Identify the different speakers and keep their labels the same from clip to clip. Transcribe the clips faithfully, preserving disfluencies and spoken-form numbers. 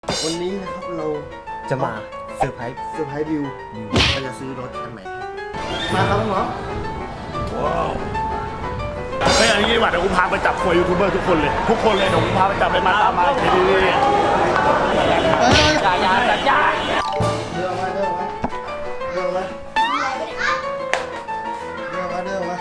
Speaker 1: วันนี้นะครับเรา
Speaker 2: จะมาเซอร์ไพรส์
Speaker 1: เซอร์ไพรส์บิวเราจะซื้อรถคันใหม่มาครับน้อง
Speaker 3: ว้าวไม่อย่างนี้ดีกว่าเดี๋ยวกูพาไปจับควยยูทูบเบอร์ทุกคนเลยทุกคนเลยเดี๋ยวกูพาไปจับเลยมาตามมาดีดีดี
Speaker 1: อย่าอย่า
Speaker 3: อย่าอย่า
Speaker 1: เดินมาเดินมาเดินมาเดินมาเดินมา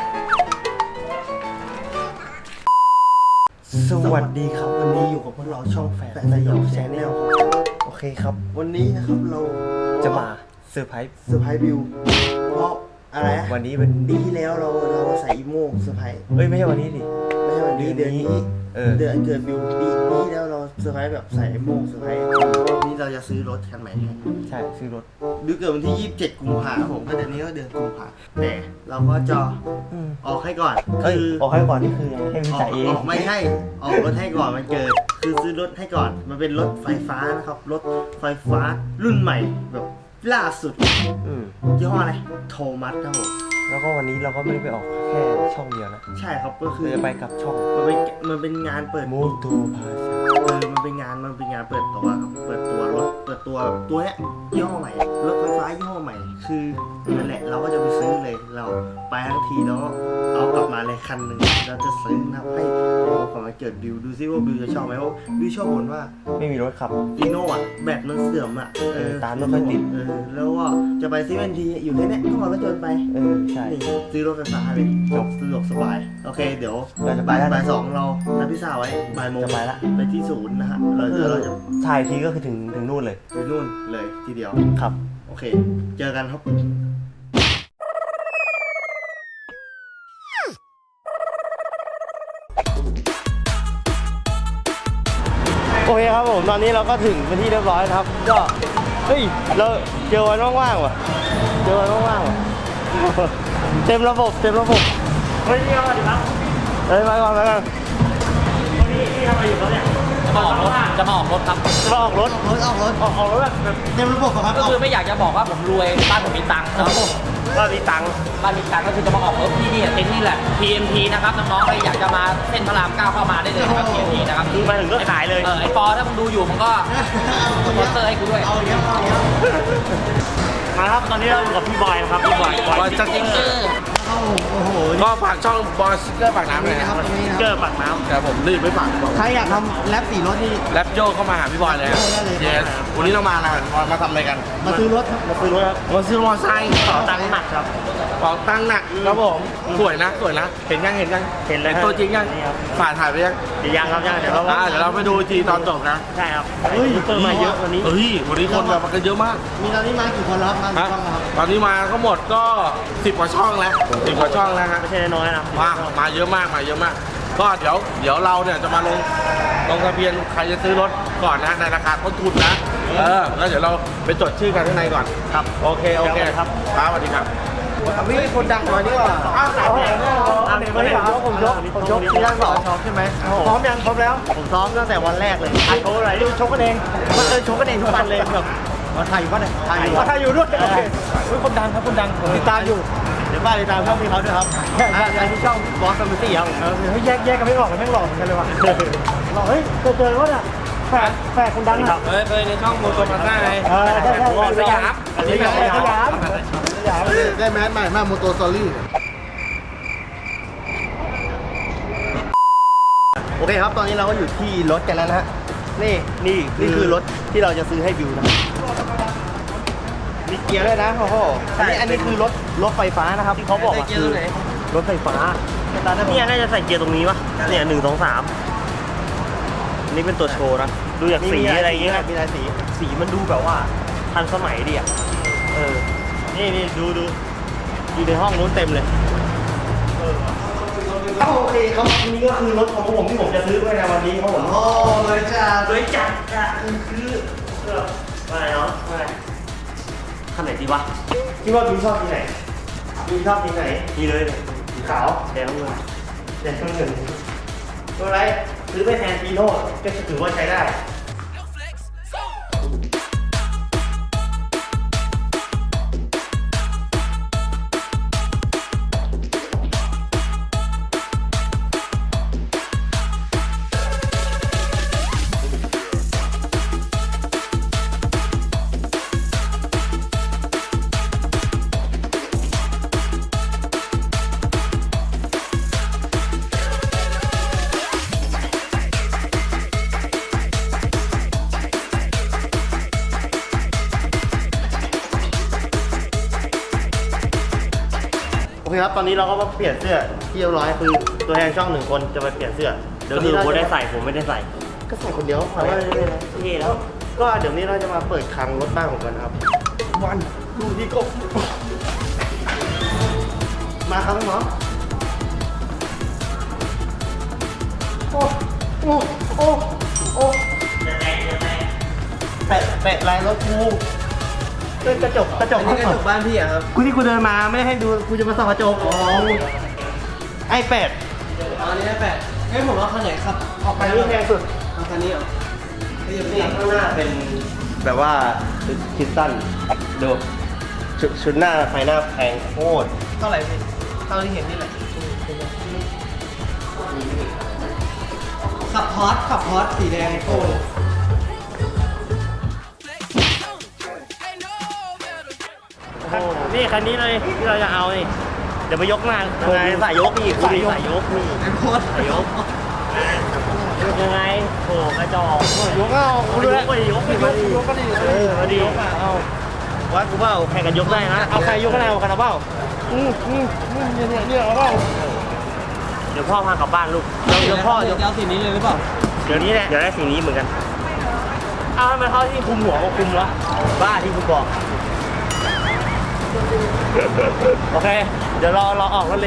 Speaker 1: สวัสดีครับวันนี้อยู่กับพวกเราช่องแฝดสยองแชนแนลโอเคครับวันนี้นะครับเรา
Speaker 2: จะมาเซอร์ไพรส์
Speaker 1: เซอร์ไพรส์บิวเพราะอะไร
Speaker 2: วันนี้เป็น
Speaker 1: ปีที่แล้วเราเราใส่อีโม่เซอร์ไพรส์
Speaker 2: เอ้ยไม่ใช่วันนี้ดิ
Speaker 1: ไม่ใช่วันนี้เดือนนี้
Speaker 2: เออ
Speaker 1: เดือนเกิดบิวปีปีที่แล้วเราเซอร์ไพรส์แบบใส่อีโม่เซอร์ไพรส์วันนี้เราจะซื้อรถคันใหม่
Speaker 2: ใช่ซื้อรถ
Speaker 1: บิวเกิดวันที่ยี่สิบเจ็ดกุมภาพันธ์ผมก็เดือนนี้ก็เดือนกุมภาพันธ์แต่เราก็จะออกให้ก่อน
Speaker 2: คือออกให้ก่อนนี่คือให้มันจ่ายเอง
Speaker 1: ออกไม่ให้ออกรถให้ก่อนมันเกิดคือซื้อรถให้ก่อนมันเป็นรถไฟฟ้านะครับรถไฟฟ้ารุ่นใหม่แบบล่าสุดยี่ห้ออะไรโทมัสครับผม
Speaker 2: แล้วก็วันนี้เราก็ไม่ได้ไปออกแค่ช่องเดียวนะ
Speaker 1: ใช่ครับก็คือ
Speaker 2: จะไปกับช่อง
Speaker 1: มันเป็นมันเป็นงานเปิด
Speaker 2: มูตูพาซา
Speaker 1: เออมันเป็นงานมันเป็นงานเปิดตัวครับเปิดตัวรถเปิดตัวตัวเนี้ยยี่ห้อใหม่รถไฟฟ้ายี่ห้อใหม่คือนั่นแหละเราก็จะไปซื้อเลยเราไปทั้งทีแล้วเอากลับมาเลยคันหนึ่งเราจะซื้อนะครับให้เป็นของมาเกิดบิวดูซิว่าบิวจะชอบไหมเพราะบิวชอบบ่นว่า
Speaker 2: ไม่มีรถขับ
Speaker 1: ฟีโน่อะแบตมันเสื่อมอะ
Speaker 2: เออตามไม่ค่อยติด
Speaker 1: เออแล้วว่าจะไปซีเวนทีอยู่แค่นี้ก็มารถยนต์ไป
Speaker 2: เออใช่
Speaker 1: ซื้อรถไฟฟ้าเลยจบสะดวกสบายโอเคเดี๋ยว
Speaker 2: เราจะไป
Speaker 1: บ่ายสองเรานัดพิซซ่าไว้บ่ายโมง
Speaker 2: จะไปละ
Speaker 1: ไปที่ศูนย์นะฮะเราจะเราจะ
Speaker 2: ถ่ายทีก็คือถึงถึงนู่นเลย
Speaker 1: ไปนู่นเลยทีเดียว
Speaker 2: ครับ
Speaker 1: โอเคเจอกันครับ
Speaker 2: โอเคครับผมตอนนี้เราก็ถึงเป็นที่เรียบร้อยครับก็เฮ้ยเราเจอวันว่างๆว่ะเจอวันว่างๆว่ะเต็มระบบเต็มระบบ
Speaker 3: เฮ้ยนี่อะไรครับ
Speaker 2: เฮ้ยไปก่อนไปก่อน
Speaker 3: วันนี้ที่ทำอะไรอยู่ครับเนี่ย
Speaker 4: จะมาออกรถจะมาออกรถครับ
Speaker 2: จะมาออกรถ
Speaker 1: รถออกรถ
Speaker 3: ออกออกรถแบบ
Speaker 1: เต็มระบบครับ
Speaker 4: ก็คือไม่อยากจะบอกว่าผมรวยบ้านผมมีตังค์นะครับ
Speaker 3: บ้านมีตังค์
Speaker 4: บ้านมีตังค์ก็คือจะมาออกรถที่นี่เต็นท์นี่แหละ พี เอ็ม ที นะครับน้องๆใครอยากจะมาเส้นพระรามเก้าเข้ามาได้เลยครับ พี เอ็ม ที นะครับ
Speaker 3: คือมาถึงก็ขายเลย
Speaker 4: เออไอปอถ้ามึงดูอยู่มึงก็สปอนเซอร์ให้กูด้วย
Speaker 1: เอาเยอะเอาเยอะ
Speaker 3: มาครับตอนนี้เราอยู่กับพี่บอยนะครับพี่บอย
Speaker 4: บอยสติ๊กเกอร์
Speaker 1: โอ้โห
Speaker 5: ก็ฝากช่องบอยสติ๊กเกอร์ปากน้ำเลยนะครับ
Speaker 3: สติ๊กเกอร์ปากน้ำ
Speaker 5: แต่ผมรีบไม่ฝากบอก
Speaker 1: ใครอยากทำแรปสีรถนี่
Speaker 5: แรปโยเข้ามาหาพี่บอยเลยครับเยสวันนี้เรามาอะไรมาทำอะไรกัน
Speaker 1: มาซื้อรถ
Speaker 3: มาซื้อรถครับ
Speaker 5: มาซื้อมอเตอร์ไซค์
Speaker 3: ต่อตังค์หนักครับ
Speaker 5: เป๋าตังค์หนักครับผมสวยนะสวยนะเห็นยังเห็นยัง
Speaker 3: เห็นเลย
Speaker 5: ตัวจริงยังฝ่ายถ่ายไปยัง
Speaker 3: เดี๋ยวยังครับยังเดี๋ยวเรา
Speaker 5: เดี๋ยวเราไปดูทีตอนจบนะ
Speaker 3: ใช่ครับเฮ้ยเปิดมาเยอะวันนี้
Speaker 5: เฮ้ยวันนี้คนแบบกันเยอะมาก
Speaker 1: มีตอนนี้มากี่คนแล้วครับมาช่องครับ
Speaker 5: ตอนนี้มาก็หมดก็สิบกว่าช่องแล้วสิบกว่าช่องแล้วฮะ
Speaker 3: ไม่ใช่น้อยนะ
Speaker 5: มามาเยอะมากมาเยอะมากก็เดี๋ยวเดี๋ยวเราเนี่ยจะมาลงลงทะเบียนใครจะซื้อรถก่อนนะในราคาต้นทุนนะเออแล้วเดี๋ยวเราไปจดชื่อกันข้างในก่อน
Speaker 3: ครับ
Speaker 5: โอเคโอเคครับครับสวัสดีครับ
Speaker 1: วิ่งคนดังมาดีกว่า
Speaker 3: อ้าวไหนเนี่ยอันนี้ไม่ได้ผมยกผมยกที่ด้านสอง
Speaker 1: ซ้อมใช่ไหม
Speaker 3: พร้อมยังพร้อมแล้ว
Speaker 1: ผมซ้อมตั้งแต่วันแรกเลย
Speaker 3: โชว์อะไรชกกันเอง
Speaker 1: มันเออชกกันเองทุกวันเลยแบบมาถ่ายอยู่ป่ะเนี่ย
Speaker 3: ถ่ายอยู่ถ่ายอยู่ด้วยโอเคคนดังครับคนดังผมติดตามอยู่
Speaker 1: เดี๋ยวบ้านติดตามช่องพี่เขาด้วยครับอ่าที่ช่องบอสแฟมิลี่ครับ
Speaker 3: เออเฮ้ยแยกแยกกันไม่หลอกกันไม่หลอกกันเลยว่ะหลอกเฮ้ยเจอเจอว่าเนี่ยแฝดแฝดคนดังอ่ะ
Speaker 5: เฮ้ยเคยในช่องโมโตมาซ่าไง
Speaker 3: เออใช่ใช่
Speaker 5: สยาม
Speaker 3: สยามสยามสยาม
Speaker 1: ได้แมสใหม่มากโมโตสตอรี่โอเคครับตอนนี้เราก็อยู่ที่รถกันแล้วนะฮะนี่นี่นี่คือรถที่เราจะซื้อให้บิวนะมีเกียร์ด้วยนะโอ้โหอันนี้อันนี้คือรถรถไฟฟ้านะครับที่เขาบอกว่าคือรถไฟฟ้าเนี่ยน่าจะใส่เกียร์ตรงนี้วะเนี่ยหนึ่งสองสามนี่เป็นตัวโชว์นะดูจากสีอะไรอย่างเงี้ยมีหลายสีสีมันดูแบบว่าทันสมัยดีอ่ะเออนี่นี่ดูดูอยู่ในห้องนู้นเต็มเลยเออโอเคครับนี่ก็คือรถของผมที่ผมจะซื้อไว้ในวันนี้ครับผมโอ้เลยจ้าเลยจัดจ้าคืออะไรเนาะอะไรคันไหนดีวะคิดว่าบิวชอบสีไหนบิวชอบสีไหนนี่เลยสีขาวแดงเงินแดงเงินตัวไรซื้อไปแทนฟีโน่ก็ถือว่าใช้ได้
Speaker 2: เคครับตอนนี้เราก็มาเปลี่ยนเสื้อที่เรียบร้อยคือตัวแทนช่องหนึ่งคนจะมาเปลี่ยนเสื้อ
Speaker 1: เดี๋ยวคือผมได้ใส่ผมไม่ได้ใส่
Speaker 2: ก็ใส่คนเดียวพอแล้วเท่แล้ว ก็เดี๋ยวนี้เราจะมาเปิดคลังรถบ้านของกันครับ วันดูที่กบมาครับน้องโอ้โอ้โอ้โอ้แปะแปะลายรถกูเป็นกระจกกระจก
Speaker 6: นี่กระจกบ้านพี่อะครับ
Speaker 2: กูที่กูเดินมาไม่ได้ให้ดูกูจะมาส่องกระจกอ๋อไอแปด
Speaker 6: อ๋อนี่แปดเฮ้ยผมเอาคันไหนครับ ออกไป
Speaker 2: อันนี้แพงสุด
Speaker 6: เอาคันนี้เหรอไม่ยังไม่
Speaker 2: นี่ข้างหน้าเป็นแบบว่าชุดคิดสั้นดูชุดชุดหน้าไฟหน้าแพงโคตร
Speaker 6: เท่าไหร่พี่เท่าที่เห็นนี่แหละขับฮอตขับฮอตสีแดงไอโฟน
Speaker 1: นี่คันนี้เลยที่เราจะเอานี่เดี๋ยวไปยกมา
Speaker 2: ยังไงสายยกอีก
Speaker 1: สายยกสายยกนี่
Speaker 6: ไอโฟน
Speaker 1: สายยกยังไงโอ้กระจอก
Speaker 2: ยกเอา
Speaker 1: กูดูแลยกยกยกยกก็ดีเออมาดี
Speaker 2: เอาวัดกูเปล่า
Speaker 1: แข่งกันยกได้นะ
Speaker 2: เอาใครยกกันเอากันเอาเปล่าอืมอืมอืมเนี่ยเนี่ยเนี่ยเอาเปล่า
Speaker 1: เดี๋ยวพ่อพากลับบ้านลูกเดี๋ยวเดี๋ยวพ่อเดี๋ยว
Speaker 6: จะเอาสีนี้เลยหรือเปล่า
Speaker 1: เดี๋ยวนี้แหละเดี๋ยวได้สีนี้เหมือนกันอ้าวทำไมเขาที่คุมหัวก็คุมวะบ้าที่คุณบอกโอเค เดี๋ยวรอรอออกรถเลย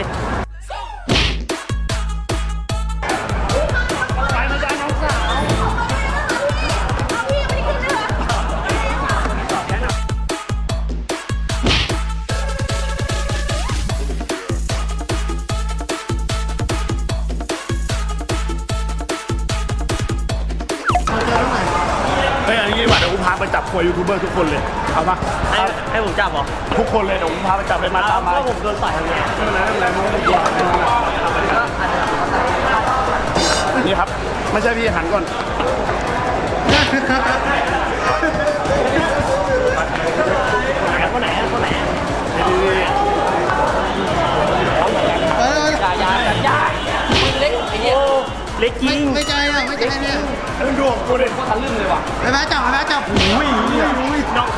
Speaker 3: เฮ้ยอันนี้ดีกว่าเดี๋ยวกูพาไปจับควยยูทูบเบอร์ทุกคนเลย เอาปะ
Speaker 1: ให้ให้ผมจับเหรอ
Speaker 3: ทุกคนเลยเดี๋ยวกูพาไปจับเลยมาตามมา
Speaker 1: ก็ผมโดนต่อยทำไง
Speaker 3: ไม่เป็นไรไม่เป็นไรไม่ต้องกลัวนี่ครับ ไม่ใช่พี่หันก่อน
Speaker 1: คนไหนคนไหน
Speaker 4: อย่าอย่าอย่าอย่ามึงเล็กไอ้เนี่ย
Speaker 1: เล็กจริง
Speaker 2: ไม่ใจอ่ะไม่ใจเนี่ย
Speaker 3: มึงดูของกูดิ
Speaker 4: ทะลึ่งเลยว่ะ
Speaker 2: ไปแม่จับไปแม่จับอุ้ยอุ้ย
Speaker 1: น้องขา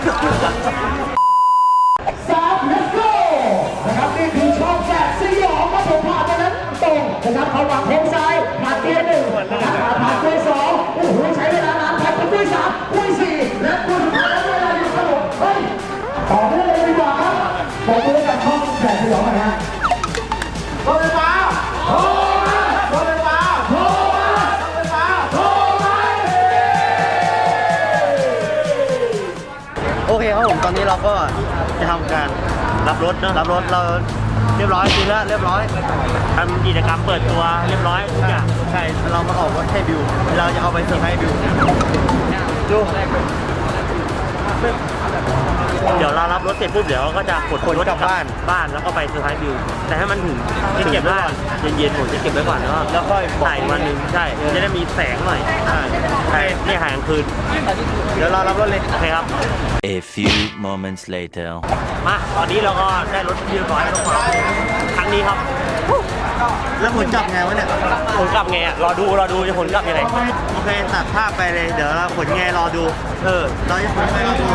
Speaker 7: นะครับนี่คือช่องแจกสยองครับผมผ่านไปนั้นตรงนะครับเขาวางโค้งซ้ายผ่านเกียร์หนึ่งนะครับผ่านเกียร์สองโอ้โหใช้เวลานานผ่านไปด้วยสามด้วยสี่และด้วยสุดท้ายเวลาอยู่ครับผมเฮ้ยต่อไปเลยดีกว่าครับบอกเลยกับช่องแจกสยองหน่อยฮะรถไฟฟ้าโทรมารถไฟฟ้าโทรมารถไฟฟ้าโทรมา
Speaker 2: โอเคครับผมตอนนี้เราก็จะทำการรับรถนะรับรถเราเรียบร้อยจริงแล้วเรียบร้อย
Speaker 1: ทำกิจกรรมเปิดตัวเรียบร้อยทุกอย่าง
Speaker 2: ใช่เรามาออกรถให้บิวเราจะเอาไปเซอร์ไพรส์บิวดู
Speaker 1: เดี๋ยวเรารับรถเสร็จปุ๊บเดี๋ยวเราก็จะขน
Speaker 2: ขน
Speaker 1: รถ
Speaker 2: กลับบ้าน
Speaker 1: บ้านแล้วก็ไปเซอร์ไพรส์บิวแต่ให้มันถึงจะเก็บไว้ก่อนเย็นๆผมจะเก็บไว้ก่อนแล้วก็
Speaker 2: แล้วค่อยบอก
Speaker 1: ถ่ายวันหนึ่งใช่จะได้มีแสงหน่อยใช่ใช่นี่ถ่ายกลางคืน
Speaker 2: เดี๋ยวเรารับรถเลย
Speaker 1: โอเคครับ
Speaker 8: A few moments later.
Speaker 1: มาตอนนี้เราก็ได้รถเรียบร้อยแล้วครับครั้งนี้ครับ
Speaker 2: แล้วผลจับไงวะเนี่ย
Speaker 1: ผลกลับไงอ่ะรอดูรอดูจะผลกลับยังไง
Speaker 2: โอเคตัดภาพไปเลยเดี๋ยวเราผลไงรอดู
Speaker 1: เออ
Speaker 2: เราจะผลไงรอดู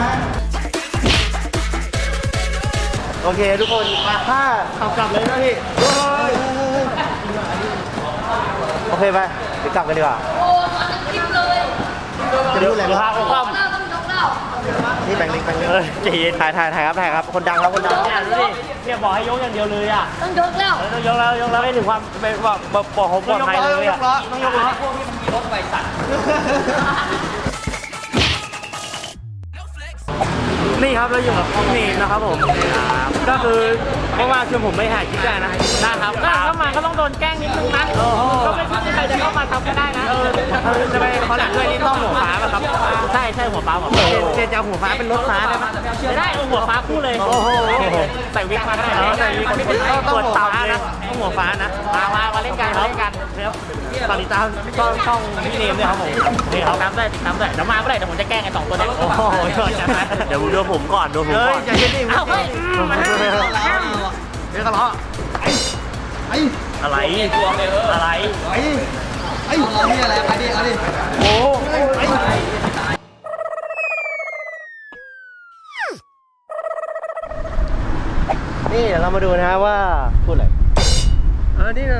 Speaker 2: โอเคทุกคนมาถ้าขับกลับเลยนะพี่โอเคไปเดี๋ยวกลับกันดีกว่า
Speaker 9: โอ้มาทั้งคลิปเลย
Speaker 2: จะรู้อะไร
Speaker 1: เดี๋ยว
Speaker 2: บ้า
Speaker 1: พาง เขาคว่
Speaker 9: เราต้องยกเรา
Speaker 2: นี่แบงค์เล็กแบงค์
Speaker 1: ำ
Speaker 2: เล็ก
Speaker 1: เออใจเย็น
Speaker 2: ถ่ายถ่ายถ่ายครับถ่ายครับคนดังครับคนดัง
Speaker 1: เนี่ยดูดิเนี่ยบอกให้ยกอย่างเดียวเลยอ่ะ
Speaker 9: ต้องยกแล้ว
Speaker 1: เออต้องยกแล้วยกแล้วไม่ถึงความเป็นแบบแบบบอกผมปลอดภัยเลยอ่ะ
Speaker 2: ต้องยกล้อ
Speaker 4: พวกที่มันมีรถไฟสัตว์
Speaker 1: นี่ครับเราอยู่กับพี่เมย์นะครับผมก็คือว่างๆชวนผมไม่ถ่ายคลิปได้นะนะครับถ้าเข้ามาก็ต้องโดนแกล้งนิดนึงนะก็ไม่คิดใครจะเข้ามาทำก็ได้นะเออจะไปขอหลังด้วยนี่ต้องหัวฟ้าป่ะครับใช่ใช่หัวฟ้าหัวฟ้า
Speaker 2: เจนจะเอาหัวฟ้าเป็นรถฟ้าได้ไหม
Speaker 1: ได้เอาหัวฟ้าคู่เลยโอ้โหใส่วิกมาก็ได้นะใส่วิกต้องหัวฟ้านะต้องหัวฟ้านะมามามาเล่นกันมาเล่นกันครับตอนนี้ตามช่องช่องพี่เนมด้วยครับผมนี่ครับตามได้ติดตามได้เดี๋ยวมาเมื่อไหร่เดี๋ยวผมจะแกล้งไอ้สองตัวนี้โอ้โหเดี๋ยวดูผมก่อนดูผมก่อน
Speaker 2: เฮ้ยอย่าเย็นดิ
Speaker 1: เอาไปมาให้
Speaker 2: เดี๋ยวกันล้อไอ้
Speaker 1: อะไรอะไร
Speaker 2: ไอ้ไอ้
Speaker 6: เอาที่อะไรเอาดิเอาดิ
Speaker 2: โอ้ไอ้นี่เดี๋ยวเรามาดูนะฮะว่า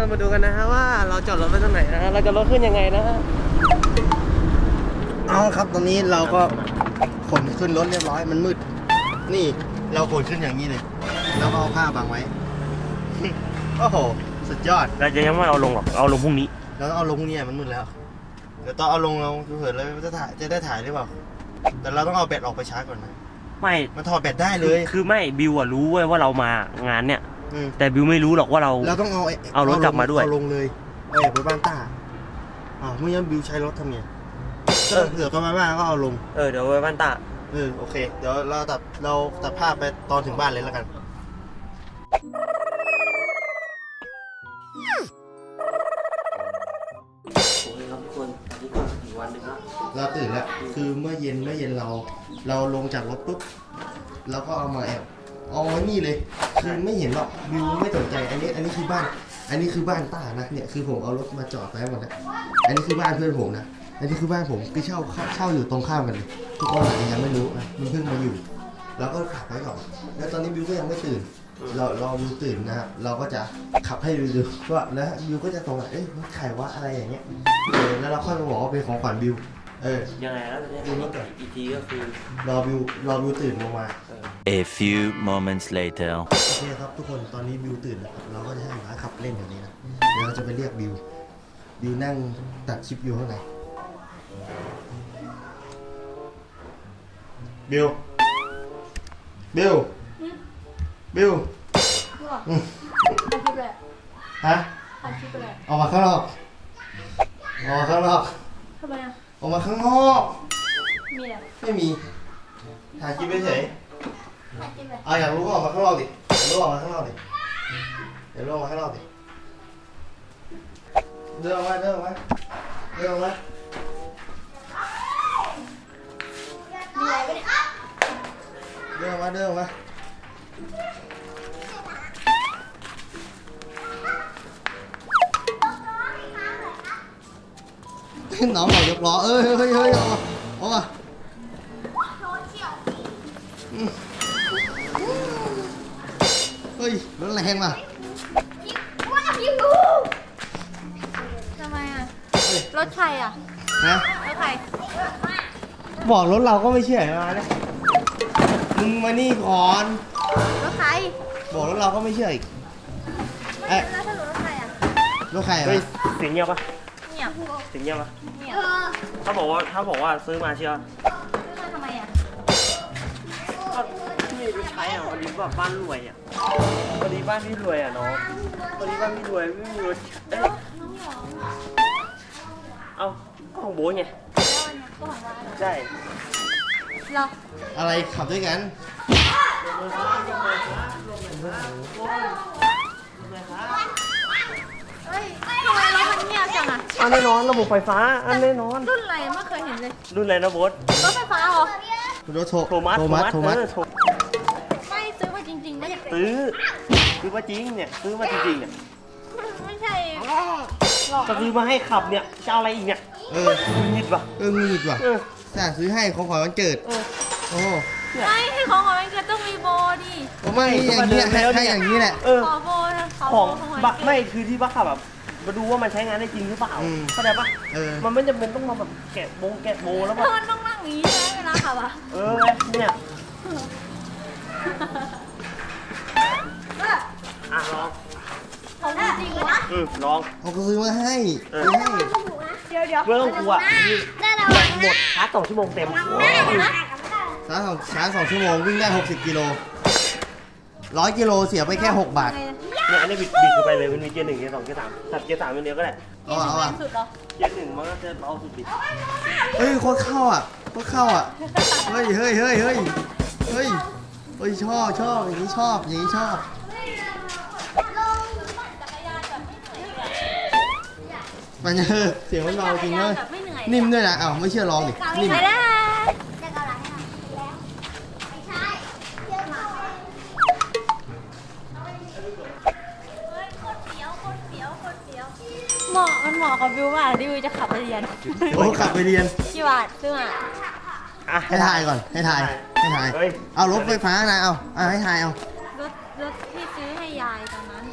Speaker 2: เรามาดูกันนะฮะว่าเราจอดรถไว้ตรงไหนนะฮะเราจะรถขึ้นยังไงนะฮะเอาครับตอนนี้เราก็ขนขึ้นรถเรียบร้อยมันมืดนี่เราขนขึ้นอย่างนี้เลยแล้วก็เอาผ้าบังไว้ โอ้โหสุดยอด
Speaker 1: เราจะยังไม่เอาลงหรอกเอาลงพรุ่งนี้
Speaker 2: เราต้องเอาลงเนี่ยมันมืดแล้วเดี๋ยวตอนเอาลงเราเผื่อเลยจะถ่ายจะได้ถ่ายหรือเปล่าแต่เราต้องเอาแบตออกไปชาร์จก่อนนะ
Speaker 1: ไม่
Speaker 2: มันถอดแบตได้เลย
Speaker 1: คือไม่บิวอะรู้เว้ยว่าเรามางานเนี่ย
Speaker 2: อืม
Speaker 1: แต่บิวไม่รู้หรอกว่าเรา
Speaker 2: เราต้องเอาไ
Speaker 1: เอารถกลับมาด้วย
Speaker 2: เอาลงเลยเอาไปบ้านต้าอ้าวเมื่อกี้บิวใช้รถทำไงเออเดี๋ยวก็มาบ้านก็เอาลง
Speaker 1: เออเดี๋ยวไปบ้านตา
Speaker 2: เออโอเค เดี๋ยวเราตัดเราตัดภาพไปตอนถึงบ้านเลยแล้วกันโอเคครับทุกคนอันนี้ก็อีกวันหนึ่งละเราตื่นแล้วคือเมื่อเย็นเมื่อเย็นเรา เราลงจากรถปุ๊บเราก็เอามาแอบเอาไว้นี่เลยคือไม่เห็นหรอกวิวไม่สนใจอันนี้อันนี้คือบ้าน อันนี้คือบ้านต้านะเนี่ยคือผมเอารถมาจอดไว้หมดแล้วอันนี้คือบ้านเพื่อนผมนะอันนี้คือบ้านผมคือเช่าเช่าอยู่ตรงข้ามกันเลยทุกคนอาจจะยังไม่รู้นะมันเพิ่งมาอยู่เราก็ขับไว้ก่อนแล้วตอนนี้บิวก็ยังไม่ตื่น เราเราบิวตื่นนะครับเราก็จะขับให้บิวดูว่าแล้วบิวก็จะตรงอ่ะเอ้ยมันไขว่าอะไรอย่างเงี้ยเออแล้วเราค่อยมาบอกว่าเป็นของขวัญบิวเออ
Speaker 1: ยังไงแล้วเนี่ย
Speaker 2: ดูรถก่อน
Speaker 1: อีกทีก็คือ
Speaker 2: รอบิวรอบิวตื่นลงมา
Speaker 8: A few moments later.
Speaker 2: โอเคครับทุกคนตอนนี้บิวตื่นแล้วครับเราก็จะให้หมาขับเล่นอย่างนี้นะเดี๋ยวเราจะไปเรียกบิวบิวนั่งตัดคลิปอยู่ข้างในบิวบิวบิวอืม
Speaker 9: อาชีพอะไร
Speaker 2: ฮะ
Speaker 9: อาชีพอะไร
Speaker 2: ออกมาข้างนอกออกมาข้างนอก
Speaker 9: ทำไมอ่ะ
Speaker 2: ออกมาข้างนอก
Speaker 9: มีอะไร
Speaker 2: ไม่มีถ่ายคลิปเฉย
Speaker 9: อาชีพอะไร
Speaker 2: ๆเอาอยากรู้ก็ออกมาข้างนอกดิอยากรู้ออกมาข้างนอกดิเดี๋ยวรู้ออกมาข้างนอกดิเดินออกมาเดินออกมาเดินออกมา
Speaker 9: มีอะไรกันเนี่ย
Speaker 2: เดินออกมาเดินออกมาน้องบอกยกล้อเอ้ยเฮ้ยเฮ้ยออกมาออกมาอืมเฮ้ยรถแรงว่ะ
Speaker 9: ว่าพี่กูทำไมอ่ะ
Speaker 2: เฮ้ย
Speaker 9: รถใครอ่ะ
Speaker 2: นะ
Speaker 9: รถใคร
Speaker 2: บอกรถเราก็ไม่เชื่อมาเนี่ยมึงมานี่ก่อน
Speaker 9: รถใคร
Speaker 2: บอกรถเราก็ไม่เชื่ออีกเอ้ย
Speaker 9: แล้วถ้ารถใครอ่ะ
Speaker 2: รถใคร
Speaker 1: เฮ้ย
Speaker 2: อะ
Speaker 1: เสียงเงียบปะ
Speaker 9: เนี่ย
Speaker 1: เสียงเงียบปะ
Speaker 9: เนี่ย
Speaker 1: ถ้าบอกว่าถ้าบอกว่าซื้อมาเชียว
Speaker 9: ซื้อมาทำไมอ่ะ
Speaker 1: ก็นี่ไปใช้อ่ะวันนี้แบบบ้านรวยอ่ะวันนี้บ้านพี่รวยอ่ะน้องวันนี้บ้านพี่รวยไม่มีรถเอ้ย
Speaker 9: น้องหยอง
Speaker 1: เอาก็ของโบ๊ทไง
Speaker 9: แล้วอันเนี้ยก็ของร้านเหรอ
Speaker 1: ใช่
Speaker 9: เหรอ
Speaker 2: อะไรขับด้วยกัน
Speaker 9: เฮ้ยทำไมรถมันเงียบจังอ่ะ
Speaker 1: อันแน่นอนระบบไฟฟ้าอันแน่นอน
Speaker 9: รุ่นอะไรไม่เคยเห็นเลย
Speaker 1: รุ่นอะไรนะโบ๊ท
Speaker 9: รถไฟฟ้าเหรอ
Speaker 2: รถโท
Speaker 1: โทมัส
Speaker 2: โทมัสโทมัส
Speaker 1: เออโท
Speaker 9: ไม่ซื้อมาจริงๆไม่
Speaker 1: ซื้อซื้อมาจริงเนี่ยซื้อมาจริงๆเนี่ย
Speaker 9: ไม่ใช่หรอก
Speaker 1: จะซื้อมาให้ขับเนี่ยจะเอาอะไรอีกเนี่ย
Speaker 2: เออ
Speaker 1: หงิดปะ
Speaker 2: เออมีดว่ะ
Speaker 1: เออ
Speaker 2: สั่งซื้อให้ของขวัญวันเกิด
Speaker 1: เออ
Speaker 2: โอ้
Speaker 9: ไม่ให้ของขวัญวันเกิดต้องมีโบดิ
Speaker 2: ไม่อย่างนี้ให้ให้อย่างนี้แหละ
Speaker 1: เออ
Speaker 9: ขอโบนะขอ
Speaker 1: ข
Speaker 9: โบ
Speaker 1: อง
Speaker 9: ของขวัญ
Speaker 1: บั
Speaker 9: วั
Speaker 1: ก
Speaker 9: นเกิด
Speaker 1: ไม่คือที่บักขับแบบมาดูว่ามันใช้งานได้จริงหรือเปล่า
Speaker 2: อืม
Speaker 1: เข้าใจปะ
Speaker 2: เออ
Speaker 1: มันไม่จำเป็นต้องมาแบบแกะโบงแกะโบแล้ว
Speaker 9: เธ
Speaker 1: แบบ
Speaker 9: อมันต้องนั่งอย่างนี้ใช่ไหมเวลาขับอ่ะ
Speaker 1: เออเนี่ยอ่ะลอง
Speaker 9: ของจริงเลยนะ
Speaker 1: อืมลอง
Speaker 2: เขาก็ซื้อมาให้
Speaker 1: เออ
Speaker 2: ซื้อให้
Speaker 9: เดี๋ยวเดี๋ยว
Speaker 1: ไม่ต้องกลัวนี่
Speaker 9: ได้แล้ว
Speaker 1: แบตหมดชาร์จสองชั่วโมงเต็ม
Speaker 2: ชาร์จสองชาร์จสองชั่วโมงวิ่งได้หกสิบกิโลร้อยกิโลเสียไปแค่หกบาท
Speaker 1: เนี่ยอันนี้บิดบิดเข้าไปเลยมันมีเกียร์หนึ่งเกียร์สองเกียร์สามตัดเกียร์สามอย่างเดียวก็ได้
Speaker 2: เอาอ่ะเอาอ่ะ
Speaker 9: สุดเหรอ
Speaker 1: เกียร์หนึ่งมันก็จะเบาสุดดิ
Speaker 2: เฮ้ยโคตรเข้าอ่ะโคตรเข้าอ่ะ เฮ้ยเฮ้ยเฮ้ยเฮ้ยเฮ้ยเฮ้ยชอบชอบอย่างนี้ชอบอย่างนี้ชอบ มันเออเสียงมันเบาจริงเลยนิ่มด้วยนะอ้าวไม่เชื่อลองดินิ่ม
Speaker 9: ไปได้ เหมาะมันเหมาะกับวิวมากที่วิวจะขับไปเรียน
Speaker 2: โอ้ขับไปเรียน
Speaker 9: กี่บาทซื้อมา
Speaker 1: อ่ะ
Speaker 2: ให้ถ่ายก่อนให้ถ่ายให้ถ่าย
Speaker 1: เฮ้ย
Speaker 2: เอารถไฟฟ้านะเอาเอาให้ถ่ายเอา
Speaker 9: รถรถที่ซื้อให้ยายตอนนั้น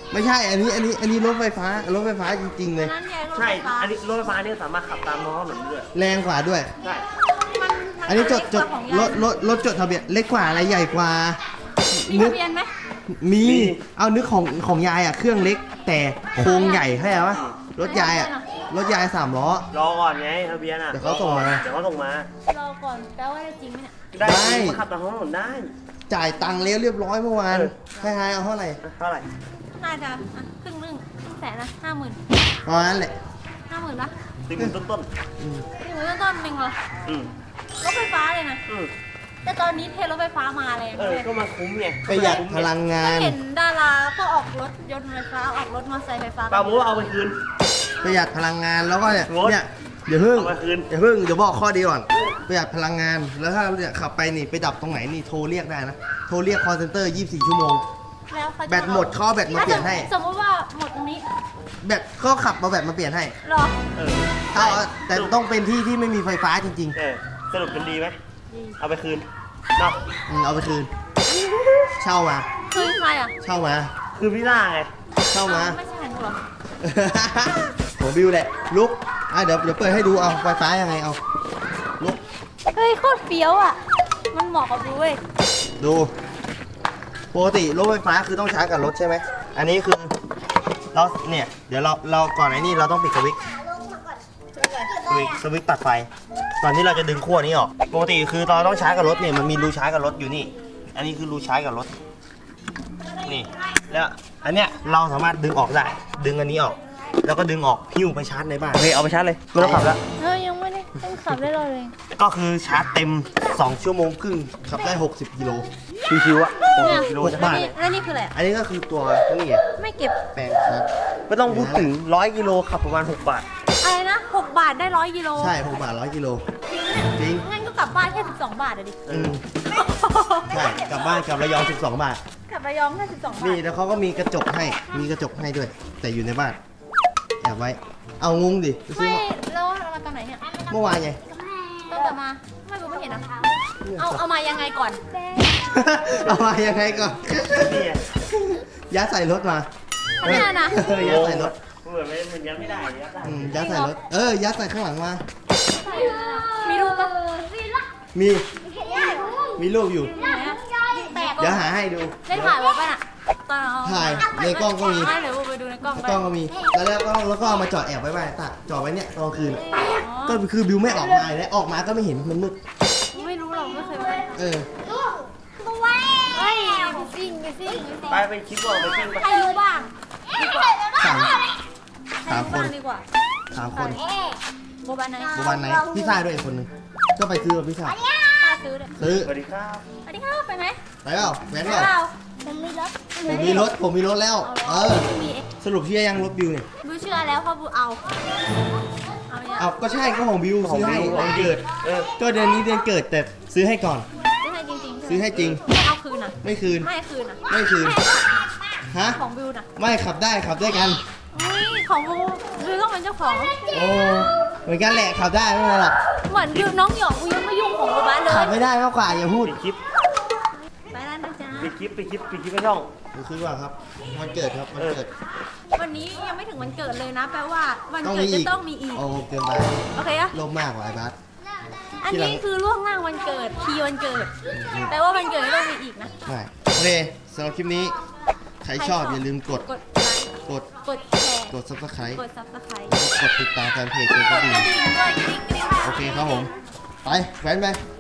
Speaker 2: ไม่ใช่ อันนี้ อันนี้ อันนี้รถไฟฟ้า รถไฟฟ้าจริงๆเลย
Speaker 9: นั่นไงรถ
Speaker 1: ใช่
Speaker 9: ไฟฟ้า
Speaker 1: อันนี้รถไฟฟ้าเนี่ยสามารถขับตามท้องถนนได้ด้วย
Speaker 2: แรงกว่าด้วย
Speaker 1: ใช่
Speaker 9: มันมัน
Speaker 2: อันนี้จดจด
Speaker 9: ของ
Speaker 2: ร
Speaker 9: ยาย
Speaker 2: ถรถรถจดทะเบียนเล็กกว่าอะไรใหญ่กว่า
Speaker 9: มี
Speaker 2: นึ
Speaker 9: ทะเบียนไหม
Speaker 2: มี เอานึกของของยายอ่ะ เครื่องเล็กแต่โครงใหญ่ใช่ไหมรถยายอ่ะ รถยายสามล้อ
Speaker 1: รอก่อนไงทะเบียนอ่ะ
Speaker 2: เดี๋ยวเขาส่งมา
Speaker 1: เดี๋ยวเขาส่งมาร
Speaker 9: อก่อนแปลว่าได้จริงไหมเนี่ย
Speaker 1: ได้
Speaker 2: ได้
Speaker 1: มาขับตามท้องถนนได้
Speaker 2: จ่ายตังค์แล้วเรียบร้อยเมื่อวาน
Speaker 1: เออ
Speaker 2: ให้ให้เอาเท่าไหร่
Speaker 1: เท่าไหร่
Speaker 9: น่าจะอ่ะครึ่งหนึงครึ่งแสนนะห้าหมื่น
Speaker 2: ประมาณนั้นแหละ
Speaker 9: ห้าหมื่นปะ
Speaker 1: สี่หมื่นต้นต้น
Speaker 2: อืม
Speaker 9: สี่หมื่นต้นๆหนึ่งเหรอ
Speaker 1: ๆอืม
Speaker 9: รถไฟฟ้าเลยนะ
Speaker 1: อืม
Speaker 9: แต่ตอนนี้เทรถไฟฟ้ามาแรง
Speaker 1: เอ
Speaker 9: เล
Speaker 1: อย ก็มาคุ้มไง
Speaker 2: ประหยัดพลังงาน
Speaker 9: เห็นดาราก็ออกรถยนต์ไฟฟ้าออกรถมอเตอร์ไซค์ไฟฟ้า
Speaker 1: ปาโมเอาไปคืน
Speaker 2: ประหยัดพลังงานแล้วก็เนี่ย
Speaker 1: งด
Speaker 2: เนี่ยเดี๋ยวเพิ่ง
Speaker 1: เอามาคืน
Speaker 2: เดี๋ยวเพิ่งเดี๋ยวบอกข้อดีก่อนประหยัดพลังงานแล้วถ้าเนี่ยขับไปนี่ไปดับตรงไหนนี่โทรเรียกได้นะโทรเรียกคอลเซ็นเตอร์ยี่สิบสี่ชั่วโมง
Speaker 9: แล้วเขาจะ
Speaker 2: แบตหมดเขาเอาแบตมาเปลี่ยนให้
Speaker 9: สมมติว่าหมดตรงนี้
Speaker 2: แบตก็ขับมาแบตมาเปลี่ยนให้
Speaker 9: เหรอ
Speaker 1: เออ
Speaker 2: เอาแต่ต้องเป็นที่ที่ไม่มีไฟฟ้าจริง
Speaker 1: เออสรุปเป็นดีไหมเอาไปคืนเนาะ
Speaker 2: ๆอืมเอาไปคืน เช่ามา
Speaker 9: คือใครอ่ะ
Speaker 2: เช่ามา
Speaker 1: คือพี่ล่าไง
Speaker 2: เช่ามา
Speaker 9: ไม่ใช่ของกูเหรอ
Speaker 2: ผมบิวแหละลุกอ่ะเดี๋ยวเดี๋ยวเปิดให้ดูเอาไฟฟ้ายังไงเอาลุก
Speaker 9: เฮ้ยโคตรเฟี้ยวอ่ะ มันเหมาะกับดูเว้ย
Speaker 2: ดูปกติรถไฟฟ้าคือต้องชาร์จกับรถใช่ไหมอันนี้คือเราเนี่ยเดี๋ยวเราเราก่อนไอ้นี่เราต้องปิดสวิตช์สวิตช์สวิตช์ตัดไฟก่อนที่เราจะดึงขั้วนี้ออกปกติคือตอนเราต้องชาร์จกับรถเนี่ยมันมีรูชาร์จกับรถอยู่นี่ อันนี้คือรูชาร์จกับรถนี่แล้วอันเนี้ยเราสามารถดึงออกได้ ดึงอันนี้ออก แล้วก็ดึงออกหิ้วไปชาร์จในบ้านโอเคเอาไปชาร์จเลยไม่ต้องขับแล้ว
Speaker 9: เฮ้ยยังไม่ได้ต้องขับได้เลย
Speaker 2: ก็คือชาร์จเต็มสองชั่วโมงครึ่งขับได้หกสิบกิโล
Speaker 1: ชิวๆอ่ะ
Speaker 9: เนี่ย
Speaker 1: กิโล
Speaker 2: หก
Speaker 1: จะ
Speaker 2: บาท
Speaker 9: นี่แล้วนี่คืออะไรอ่ะ
Speaker 2: อันนี้ก็คือตัวนี่ไง
Speaker 9: ไม่เก็บ
Speaker 2: แปลงชาร์จ
Speaker 1: ไม่ต้องพูดถึงร้อยกิโลขับประมาณหกบาท
Speaker 9: อะไรนะหกบาทได้ร้อยกิโล
Speaker 2: ใช่หกบาทร้อยกิโลจริง
Speaker 9: งั้นก็กลับบ้านแค่สิบสองบาทอะดิ
Speaker 2: อืมใช่กลับบ้านกลับระยองสิบสองบาท
Speaker 9: กลับระยองแค่สิบสองบาท
Speaker 2: นี่แล้วเขาก็มีกระจกให้มีกระจกให้ด้วย แต่อยู่ในบ้านแอบไว้ เอางงดิไปซื้
Speaker 9: ไม่
Speaker 2: อมา
Speaker 9: แล้วเรามาตอนไหนเนี่ย
Speaker 2: เมื่อวานไง
Speaker 9: ตั้งแต่มาไม่รู้ไม่เห็นนะเอาเอามายังไงก่อน
Speaker 2: เอามายังไงก่อน
Speaker 1: นี่ไง
Speaker 2: ยัดใส่รถมา
Speaker 9: อันเนี้ยนะ
Speaker 2: เออยัดใส่รถ
Speaker 1: เหมือนไม่เหมือนยังไม่ได้ยัดได้
Speaker 2: อืมยัดใส่รถเออยัดใส่ข้างหลังมา
Speaker 9: มีรูปปะ
Speaker 2: มีมีรูปอยู่
Speaker 9: ไหนอะแตก
Speaker 2: เดี๋ยวหาให้ดู
Speaker 9: ได้ถ่ายไว้ปะน่ะตอนเอา
Speaker 2: ถ่ายในกล้องก็มี
Speaker 9: ไม่เดี๋ยวไปดูในกล้องไป
Speaker 2: กล้องก็มี แล้วแล้วก็แล้วก็เอามาจอดแอบไว้บ้านตาจอดไว้เนี่ยตอนกลางคืน
Speaker 9: อ๋อ
Speaker 2: ก็คือบิวไม่ออกมาเลยออกมาก็ไม่เห็นมันมืด
Speaker 9: ไม่รู้หรอกไม่เคยไป
Speaker 2: เออ
Speaker 9: เฮ้ยไปซิ่งไปซิ่ง
Speaker 1: ไปไปคลิปก่อนไปซิ่งไป
Speaker 9: ใครรู้บ้างดีกว่า
Speaker 2: สาม
Speaker 9: ใคร
Speaker 2: สาม
Speaker 9: รู้
Speaker 2: คน
Speaker 9: บ้างดีกว่า
Speaker 2: สามคน
Speaker 9: โบบานไหน
Speaker 2: โบวันไหนพี่ชายด้วยอีกคนนึงก็ไปซื้อกับพี่ชาย
Speaker 9: ป้าซื้อเลย
Speaker 2: ซื้อ
Speaker 1: สวัสดีครับ
Speaker 9: สวัสดีครับไปไหม
Speaker 2: ไปเปล่าแว้น
Speaker 9: ไป
Speaker 2: เปล่า
Speaker 9: เปล่าผมมีรถ
Speaker 2: ผมมีรถผมมีรถแล้ว เออ
Speaker 9: ไม่มี
Speaker 2: สรุปเชื่อยังรถบิวเนี่ย
Speaker 9: บูเชื่อแล้วเพราะบูเอาเอาเนี่ย
Speaker 2: เอาก็ใช่ก็ของบิวซื้อให้วันเกิด
Speaker 1: เออ
Speaker 2: ก็เดือนนี้เดือนเกิดแต่ซื้อให้ก่อน
Speaker 9: ซื้อให้จริงๆ
Speaker 2: ซื้อให้จริง
Speaker 9: ไม่เอาคืนอ่ะ
Speaker 2: ไม่คืน
Speaker 9: ไม่คืนอ่ะ
Speaker 2: ไม่คืน ฮะ
Speaker 9: ของบิวน่ะ
Speaker 2: ไม่ขับได้ขับด้วยกัน
Speaker 9: อุ้ยของบูบิวต้องเป็นเจ้าของ
Speaker 2: โอ้เหมือนกันแหละขับได้ไม่เป็นไรหรอก
Speaker 9: เหมือนบิวน้องหยองบูยังไม่ยุ่งของบูบ้านเลย
Speaker 2: ขับไม่ได้มากกว่าอย่าพูด
Speaker 1: ปิดคลิป
Speaker 9: ไปแล้วนะจ๊ะ
Speaker 1: ปิดคลิปปิดคลิปปิดคลิปให้ช่อง
Speaker 2: ดูคือว่าครับวันเกิดครับวันเกิด
Speaker 9: วันนี้ยังไม่ถึงวันเกิดเลยนะ แปลว่าวัน
Speaker 2: ต้อง
Speaker 9: เกิด
Speaker 2: มี
Speaker 9: จะ
Speaker 2: อีก
Speaker 9: ต้องมีอีก
Speaker 2: โอ้เกินไป
Speaker 9: โอเคอะ
Speaker 2: ลมมากกว่าไอ้บัส
Speaker 9: อันนี้คือล่วงหน้าวันเกิดทีวันเกิด แปลว่าวันเกิดจะต้องมีอีกนะ
Speaker 2: ไม่โอเคสำหรับคลิปนี้ ใครชอบอย่าลืมกด
Speaker 9: กดไลค์
Speaker 2: กด
Speaker 9: กดแชร์
Speaker 2: กด subscribe
Speaker 9: กดซับสไครต์
Speaker 2: กดติดตามแฟนเพจเจอก
Speaker 9: ก
Speaker 2: ระ
Speaker 9: ด
Speaker 2: ดิ่
Speaker 9: ก
Speaker 2: ง
Speaker 9: ระดิ่งด้วยกริ๊งกริ๊ง
Speaker 2: โอเคครับผม ไปแว้นไป